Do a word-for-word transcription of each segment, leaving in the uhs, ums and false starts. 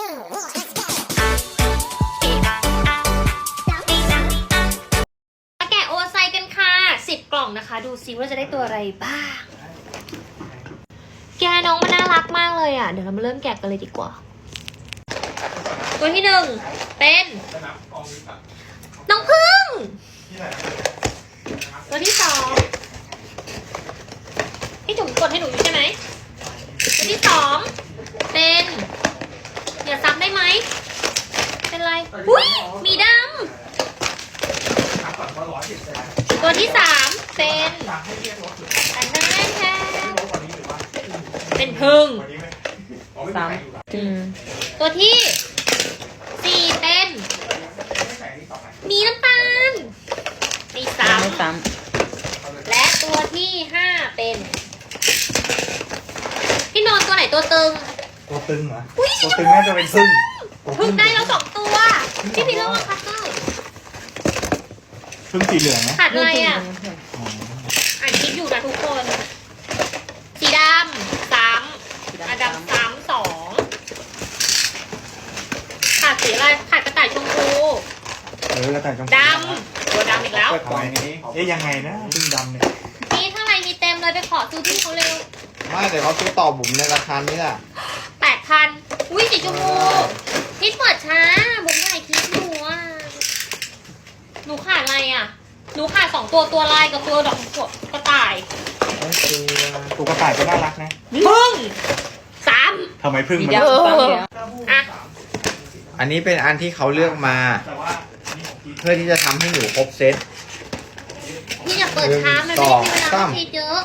แกะโอไซกันค่ะสิบกล่องนะคะดูซิว่าจะได้ตัวอะไรบ้างแกน้องมันน่ารักมากเลยอ่ะเดี๋ยวเรามาเริ่มแกะกันเลยดีกว่าตัวที่หนึ่งเป็นน้องพึ่งตัวที่สองพี่จุ๋มกดให้หนูอยู่ใช่ไหมตัวที่สองเป็นอย่าซ้ำได้ไหมเป็นไรอุ้ยมีดำตัวที่สามเป็นอันนั้นแค่เป็นพึ่งสามตัวที่สี่เป็นมีน้ำตาลมีสามและตัวที่ห้าเป็นพี่นอนตัวไหนตัวตึงตัวตึงเหรอตัวตึงน่าจะเป็นพึ่งพึ่งได้แล้วสองตัวพี่พี่เล่าว่าคัดเตอร์พึ่งสีเหลืองนะขาดอะไรอ่ะอ่านคิดอยู่นะทุกคนสีดำสามอ่ะดำสามสองขาดสีอะไรขาดกระต่ายชมพูเออกระต่ายชมพูดำตัวดำอีกแล้วเปิดกล่องนี้เอ๊ยยังไงนะพึ่งดำเนี่ยนี่ข้างในมีเต็มเลยไปขอซื้อพี่เขาเร็วไม่แต่เขาซื้อต่อบุ๋มในราคานี้แหละแปดพันอุ้ยสีชมพูพี่เปิดช้าบุ๋มถ่ายคลิปอยู่อ่ะหนูขาดอะไรอ่ะหนูขาดสองตัวตัวลายกับตัวดอกกระต่ายตัวกระต่ายก็น่ารักนะพึ่งสามทำไมพึ่งมันเยอะอ่ะอันนี้เป็นอันที่เขาเลือกมาเพื่อที่จะทำให้หนูครบเซตพี่อย่าเปิดช้ามันไม่ได้มีเวลาทีเยอะ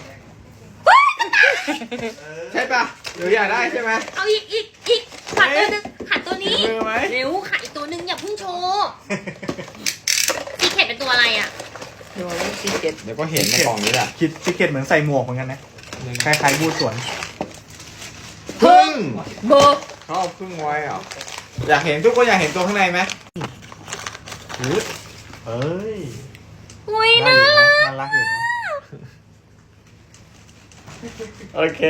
ใช่ปะหนูอยากได้ใช่ไหมเอาอีกอีกอีกขาดตัวนึงขาดตัวนี้เร็วขาดอีกตัวนึงอย่าเพิ่งโชว์ซีเค็ดเป็นตัวอะไรอ่ะดูซีเค็ดเดี๋ยวก็เห็นในกล่องนี้แหละคิดซีเค็ดเหมือนใส่หมวกเหมือนกันนะคล้ายๆบูสวนพึ่งเบอร์เขาเอาพึ่งไว้เหรออยากเห็นทุกคนอยากเห็นตัวข้างในไหมเอ้ยอุ้ยน่ารักน่ารักอยู่นะโอเค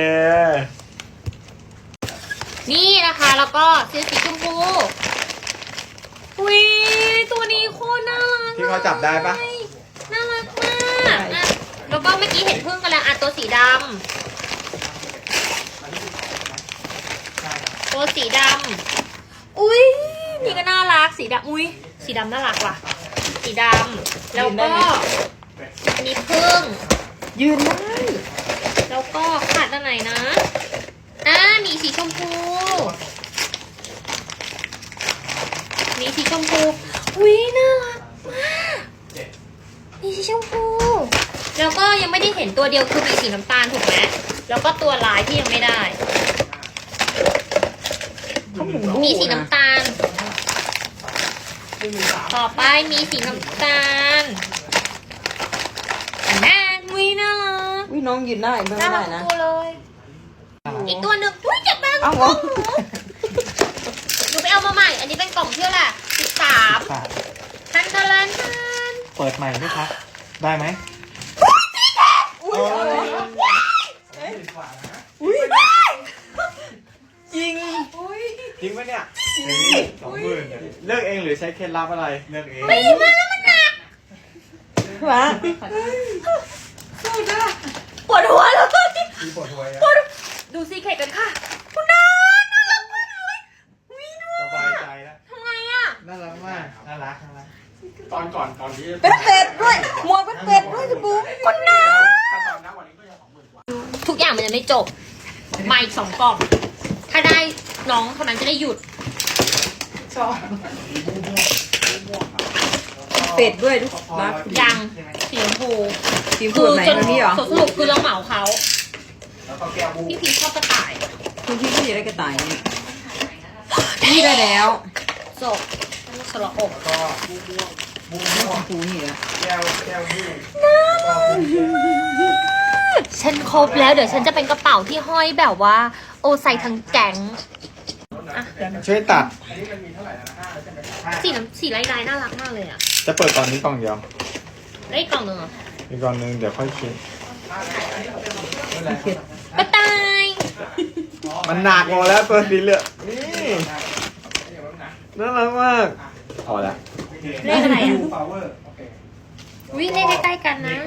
นี่นะคะแล้วก็ซื้อสีชมพูอุ้ยตัวนี้โคตรน่ารักที่เขาจับได้ปะน่ารักมากอ่ะแล้วก็เมื่อกี้เห็นพึ่งกันแล้วอ่ะตัวสีดำตัวสีดำอุ้ยนี่ก็น่ารักสีดำอุ้ยสีดำน่ารักว่ะสีดำแล้วก็อันนี้พึ่งยืนได้แล้วก็ขาดอันไหนนะอ่ามีสีชมพูมีสีชมพูอุ้ยน่ารักมากมีสีชมพูแล้วก็ยังไม่ได้เห็นตัวเดียวคือมีสีน้ำตาลถูกไหมแล้วก็ตัวลายที่ยังไม่ได้มีสีน้ำตาลต่อไปมีสีน้ำตาลแม่วิน่ารักวิน้องยืนได้ไม่ได้นะตัวเลยอีกตัวหนึ่งอุ้ยจับแบงค์หนูหนูไปเอามาใหม่อันนี้เป็นกล่องเชื่อแหละสิบสามทันทันทันเปิดใหม่ไหมครับได้ไหมอุ้ยอุ้ยจริงจริงปะเนี่ยสองหมื่นเลือกเองหรือใช้เคล็ดลับอะไรเลือกเองไม่มาแล้วมันหนักวะสู้จ้ะปวดหัวเลยปวดหัวปวดดูซีเค็ดกันค่ะคุณน้าน่ารักมากเลยวินสบายใจแล้วทำไงอ่ะน่ารักมากน่ารักน่ารักตอนก่อนตอนที่เป็นเป็ดด้วยหมวกเป็นเป็ดด้วยจะบูคุณน้าทุกอย่างมันจะไม่จบมาอีกสองกล่องถ้าได้น้องเท่านั้นจะได้หยุดชอบเป็ดด้วยทุกรักยังสีชมพูสีชมพูไหนตัวนี้เหรอสรุปคือเราเหมาเขาพี่พีชอบกระต่ายคุณพี่ก็อยากได้กระต่ายเนี่ยนี่ได้แล้วจบสระอกก็บูบูชมพูนี่แหละแก้วแก้วบูฉันครบแล้วเดี๋ยวฉันจะเป็นกระเป๋าที่ห้อยแบบว่าโอใส่ทั้งแก๊งช่วยตัดสีน้ำสีลายๆน่ารักมากเลยอ่ะจะเปิดตอนนี้กล่องเดียวได้กล่องหนึ่งเหรออีกกล่องหนึ่งเดี๋ยวค่อยคิดกระต่ายมันหนักหมดแล้วตัวสีเหลืองนี่น่ารักมากเอาละเลขอะไรอ่ะฟลาเวอร์โอเควิเลขใกล้ๆกันนะ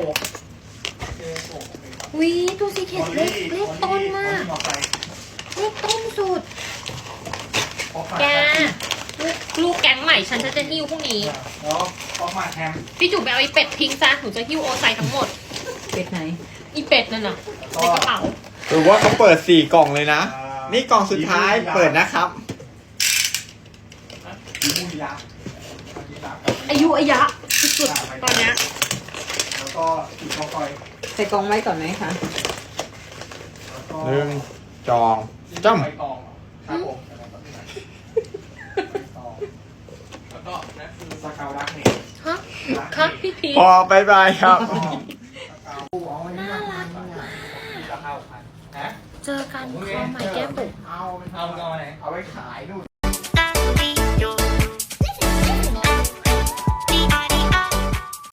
วิตัวซีเคทเลขเลขต้นมากเลขต้นสุด แกลูกลูกแก๊งใหม่ฉันฉันจะหิ้วพรุ่งนี้แล้วออกมาแฮมพี่จุ๋มไปเอาไอ้เป็ดทิ้งซะหนูจะหิ้วโอไซทั้งหมดเป็ดไหนอีเป็ดนั่นน่ะในกระเป๋าหรือว่าเขาเปิดสี่กล่องเลยนะ นี่กล่องสุดท้ายเปิดนะครับสีมูยาอายุอายะสุดๆตอนเนี้ยแล้วก็สีคอคอยใส่กล่องไว้ก่อนไหมคะแล้วก็หนึ่งจองจ้ำใบตองครับผมแล้วก็แล้วก็นั่นคือสกาวดักเนฮะครับพี่พีพอบายบายครับน่ารักมากสกาวพันฮะเจอกันคอใหม่แก้มบุ๋มเอาเอาเอาไว้ขายนู่น